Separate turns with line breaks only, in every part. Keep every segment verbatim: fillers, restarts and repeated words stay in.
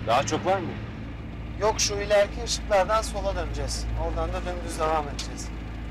Daha çok var mı?
Yok, şu ileriki ışıklardan sola döneceğiz. Oradan da dümdüz devam edeceğiz.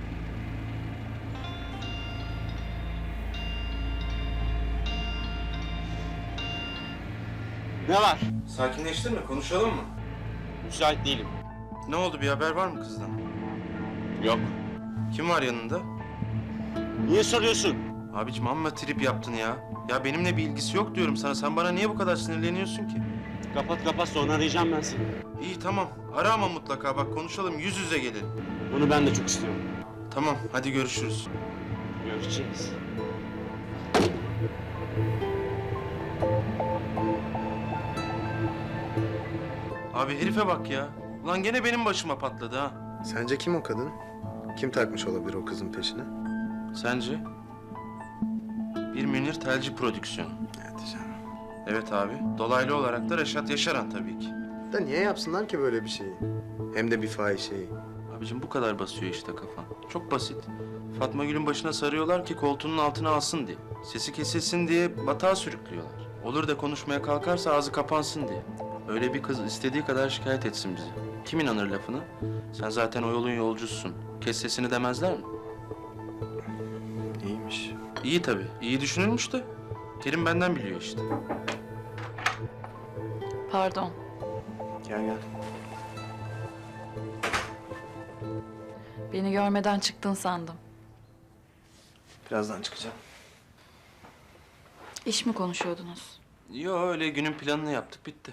Ne var?
Sakinleştin mi? Konuşalım mı?
Müsait değilim.
Ne oldu? Bir haber var mı kızdan?
Yok.
Kim var yanında?
Niye soruyorsun?
Abicim amma trip yaptın ya. Ya benimle bir ilgisi yok diyorum sana. Sen bana niye bu kadar sinirleniyorsun ki?
Kapat kapat, sonra arayacağım ben seni.
İyi tamam. Ara ama mutlaka. Bak konuşalım. Yüz yüze gelelim.
Bunu ben de çok istiyorum.
Tamam. Hadi görüşürüz.
Görüşeceğiz.
Abi herife bak ya. Ulan gene benim başıma patladı ha.
Sence kim o kadın? Kim takmış olabilir o kızın peşine?
Sence? Bir Münir Telci prodüksiyonu.
Evet canım.
Evet abi. Dolaylı olarak da Reşat Yaşaran tabii ki.
Da niye yapsınlar ki böyle bir şeyi? Hem de bir fahişeyi.
Abicim bu kadar basıyor işte kafan. Çok basit. Fatma Gül'ün başına sarıyorlar ki koltuğunun altına alsın diye. Sesi kesilsin diye batağa sürüklüyorlar. Olur da konuşmaya kalkarsa ağzı kapansın diye. Öyle bir kız istediği kadar şikayet etsin bizi. Kim inanır lafına? Sen zaten o yolun yolcususun. Kes sesini demezler mi?
İyiymiş.
İyi tabii. İyi düşünülmüş de. Kerim benden biliyor işte.
Pardon.
Gel gel.
Beni görmeden çıktın sandım.
Birazdan çıkacağım.
İş mi konuşuyordunuz?
Yo öyle günün planını yaptık bitti.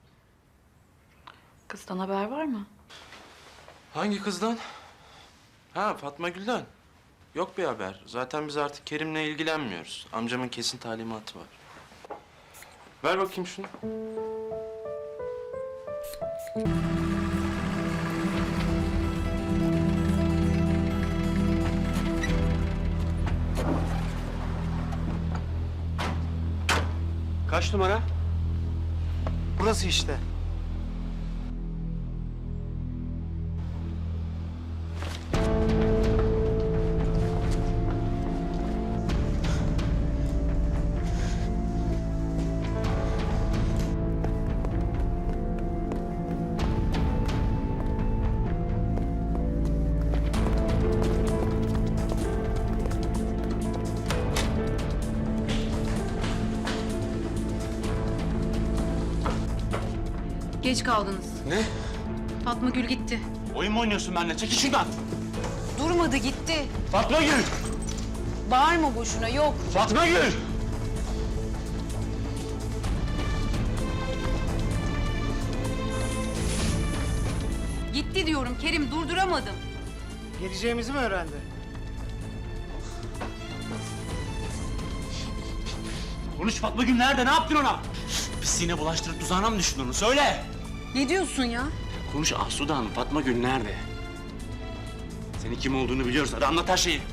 Kızdan haber var mı?
Hangi kızdan? Ha Fatma Gül'den. Yok bir haber. Zaten biz artık Kerim'le ilgilenmiyoruz. Amcamın kesin talimatı var. Ver bakayım şunu.
Kaç numara?
Burası işte.
Geç kaldınız.
Ne?
Fatma Gül gitti.
Oyun mu oynuyorsun benimle? Çekil şuradan.
Durmadı gitti.
Fatma Gül!
Bağırma boşuna yok.
Fatma Gül!
Gitti diyorum Kerim, durduramadım.
Geleceğimizi mi öğrendi?
Konuş, Fatma Gül nerede? Ne yaptın ona? Pisliğine bulaştırıp tuzağına mı düştün onu? Söyle!
Ne diyorsun ya?
Konuş Asude Hanım, Fatma Gül nerede? Senin kim olduğunu biliyoruz. Hadi anlat her şeyi.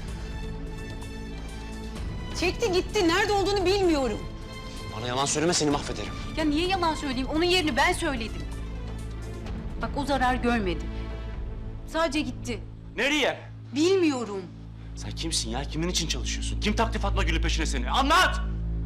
Çekti gitti. Nerede olduğunu bilmiyorum.
Bana yalan söyleme, seni mahvederim.
Ya niye yalan söyleyeyim? Onun yerini ben söyledim. Bak o zarar görmedi. Sadece gitti.
Nereye?
Bilmiyorum.
Sen kimsin ya? Kimin için çalışıyorsun? Kim taktı Fatma Gül'ün peşine seni? Anlat!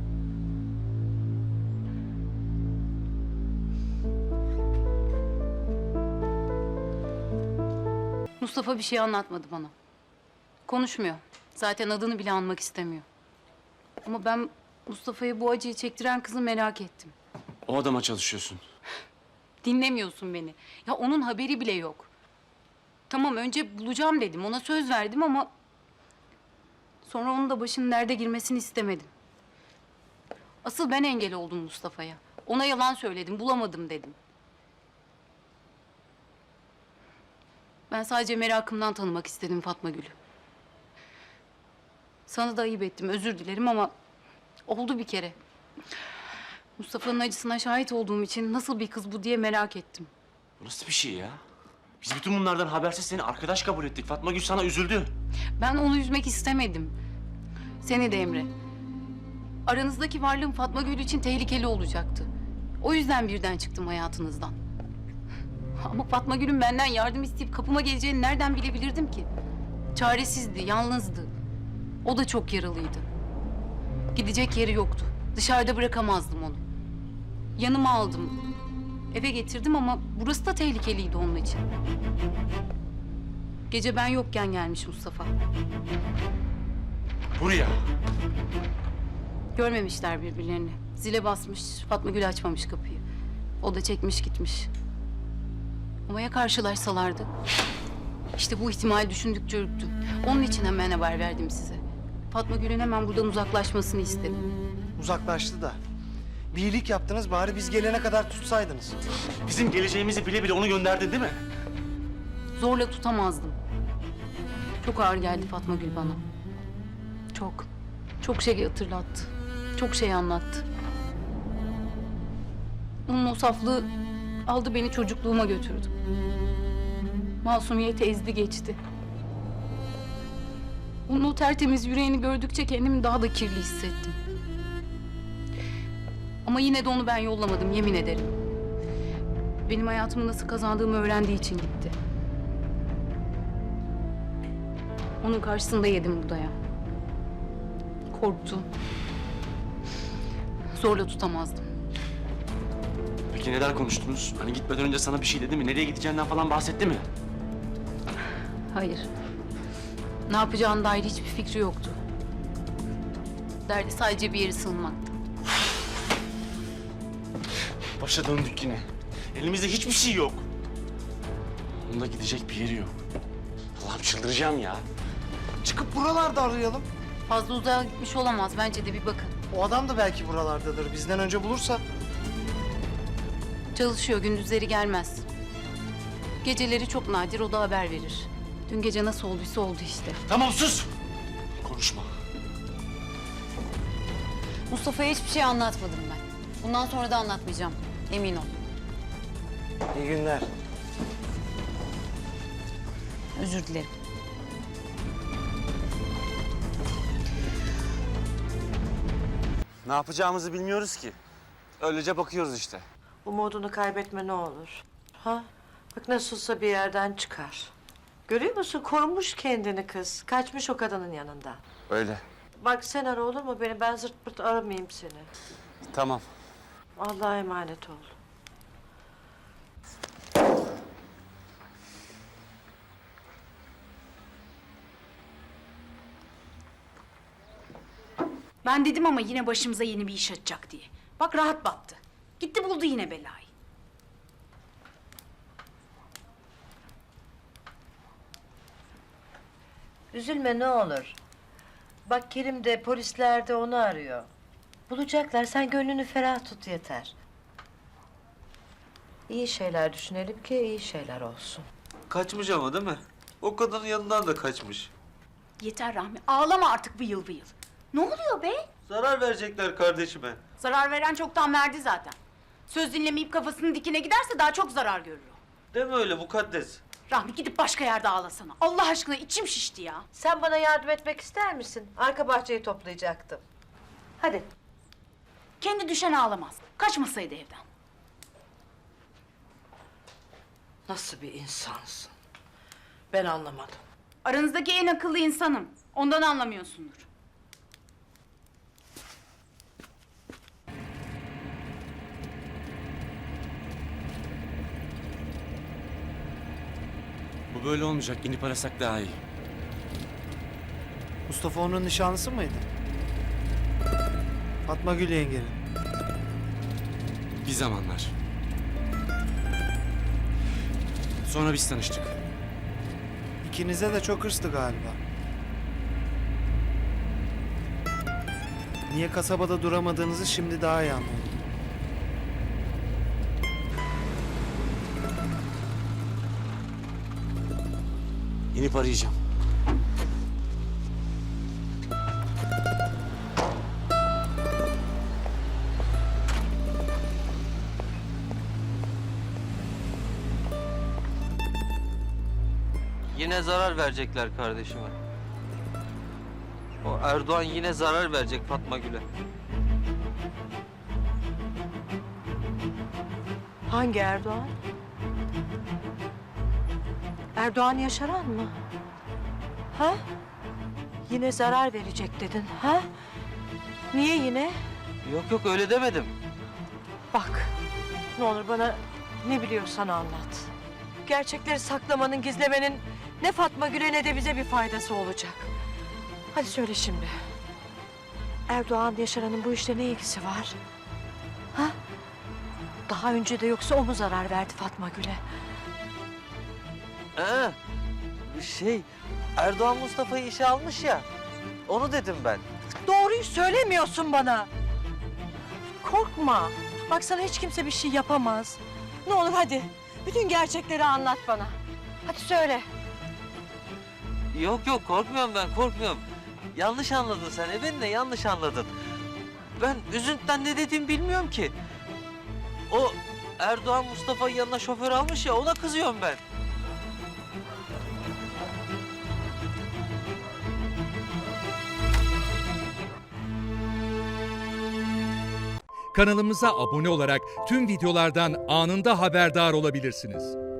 Mustafa bir şey anlatmadı bana. Konuşmuyor. Zaten adını bile anmak istemiyor. Ama ben Mustafa'ya bu acıyı çektiren kızı merak ettim.
O adama çalışıyorsun.
Dinlemiyorsun beni. Ya onun haberi bile yok. Tamam önce bulacağım dedim. Ona söz verdim ama... Sonra onun da başının derde girmesini istemedim. Asıl ben engel oldum Mustafa'ya. Ona yalan söyledim, bulamadım dedim. Ben sadece merakımdan tanımak istedim Fatma Gül'ü. Sana da ayıp ettim, özür dilerim ama... Oldu bir kere. Mustafa'nın acısına şahit olduğum için nasıl bir kız bu diye merak ettim.
Bu nasıl bir şey ya? Biz bütün bunlardan habersiz seni arkadaş kabul ettik. Fatma Gül sana üzüldü.
Ben onu üzmek istemedim. Seni de Emre. Aranızdaki varlığım Fatma Gül için tehlikeli olacaktı. O yüzden birden çıktım hayatınızdan. Ama Fatma Gül'ün benden yardım isteyip kapıma geleceğini nereden bilebilirdim ki? Çaresizdi, yalnızdı. O da çok yaralıydı. Gidecek yeri yoktu. Dışarıda bırakamazdım onu. Yanıma aldım. Eve getirdim ama burası da tehlikeliydi onun için. Gece ben yokken gelmiş Mustafa.
Buraya.
Görmemişler birbirlerini. Zile basmış, Fatma Gül açmamış kapıyı. O da çekmiş gitmiş. Ama ya karşılaşsalardı? İşte bu ihtimali düşündükçe ürktüm. Onun için hemen haber verdim size. Fatma Gül'ün hemen buradan uzaklaşmasını istedim.
Uzaklaştı da. Bir iyilik yaptınız, bari biz gelene kadar tutsaydınız.
Bizim geleceğimizi bile bile onu gönderdin değil mi?
Zorla tutamazdım. Çok ağır geldi Fatma Gül bana. Çok. Çok şey hatırlattı. Çok şey anlattı. Onun o saflığı aldı beni çocukluğuma götürdü. Masumiyeti ezdi geçti. Onun o tertemiz yüreğini gördükçe kendimi daha da kirli hissettim. Ama yine de onu ben yollamadım, yemin ederim. Benim hayatımı nasıl kazandığımı öğrendiği için gitti. Onun karşısında yedim bu dayağı. Korktu. Zorla tutamazdım.
Peki neler konuştunuz? Hani gitmeden önce sana bir şey dedi mi? Nereye gideceğinden falan bahsetti mi?
Hayır. Ne yapacağına dair hiçbir fikri yoktu. Derdi sadece bir yere sığınmaktı.
Başa döndük yine. Elimizde hiçbir şey yok. Onda gidecek bir yeri yok. Allah'ım çıldıracağım ya.
Çıkıp buralarda arayalım.
Fazla uzağa gitmiş olamaz. Bence de bir bakın.
O adam da belki buralardadır. Bizden önce bulursa.
Çalışıyor, gündüzleri gelmez. Geceleri çok nadir, o da haber verir. Dün gece nasıl olduysa oldu işte.
Tamam sus! Konuşma.
Mustafa'ya hiçbir şey anlatmadım ben. Bundan sonra da anlatmayacağım. Emin ol.
İyi günler.
Özür dilerim.
Ne yapacağımızı bilmiyoruz ki. Öylece bakıyoruz işte.
Umudunu kaybetme ne olur. Ha? Bak nasılsa bir yerden çıkar. Görüyor musun? Korumuş kendini kız. Kaçmış o kadının yanında.
Öyle.
Bak sen ara olur mu beni? Ben zırt pırt aramayayım seni.
Tamam.
Allah'a emanet ol.
Ben dedim ama yine başımıza yeni bir iş açacak diye. Bak rahat battı. Gitti buldu yine belayı.
Üzülme ne olur. Bak Kerim de polisler de onu arıyor. Bulacaklar. Sen gönlünü ferah tut yeter. İyi şeyler düşünelim ki iyi şeyler olsun.
Kaçmış ama değil mi? O kadının yanından da kaçmış.
Yeter Rahmi. Ağlama artık vıyıl vıyıl. Ne oluyor be?
Zarar verecekler kardeşime.
Zarar veren çoktan verdi zaten. Söz dinlemeyip kafasının dikine giderse daha çok zarar görür o.
Deme öyle mukaddes.
Rahmi gidip başka yerde ağlasana. Allah aşkına içim şişti ya.
Sen bana yardım etmek ister misin? Arka bahçeyi toplayacaktım. Hadi.
Kendi düşen ağlamaz. Kaçmasaydı evden.
Nasıl bir insansın? Ben anlamadım.
Aranızdaki en akıllı insanım. Ondan anlamıyorsundur.
Bu böyle olmayacak. İnip arasak daha iyi.
Mustafa onun nişanlısı mıydı? Fatma Gül yengenin.
Bir zamanlar. Sonra biz tanıştık.
İkinize de çok hırstı galiba. Niye kasabada duramadığınızı şimdi daha iyi anladım.
İnip arayacağım.
Yine zarar verecekler kardeşime. O Erdoğan yine zarar verecek Fatma Gül'e.
Hangi Erdoğan? Erdoğan Yaşaran mı? Ha? Yine zarar verecek dedin, ha? Niye yine?
Yok yok öyle demedim.
Bak, ne olur bana Ne biliyorsan anlat. Gerçekleri saklamanın, gizlemenin ne Fatma Gül'e ne de bize bir faydası olacak. Hadi söyle şimdi. Erdoğan Yaşaran'ın bu işle ne ilgisi var? Ha? Daha önce de yoksa o mu zarar verdi Fatma Gül'e?
Ee, şey, Erdoğan Mustafa'yı işe almış ya. Onu dedim ben.
Doğruyu söylemiyorsun bana. Korkma. Bak sana hiç kimse bir şey yapamaz. Ne olur hadi. Bütün gerçekleri anlat bana. Hadi söyle.
Yok yok korkmuyorum ben korkmuyorum. Yanlış anladın sen. E beni de yanlış anladın. Ben üzüntüden ne dediğimi bilmiyorum ki. O Erdoğan Mustafa'yı yanına şoför almış ya ona kızıyorum ben.
Kanalımıza abone olarak tüm videolardan anında haberdar olabilirsiniz.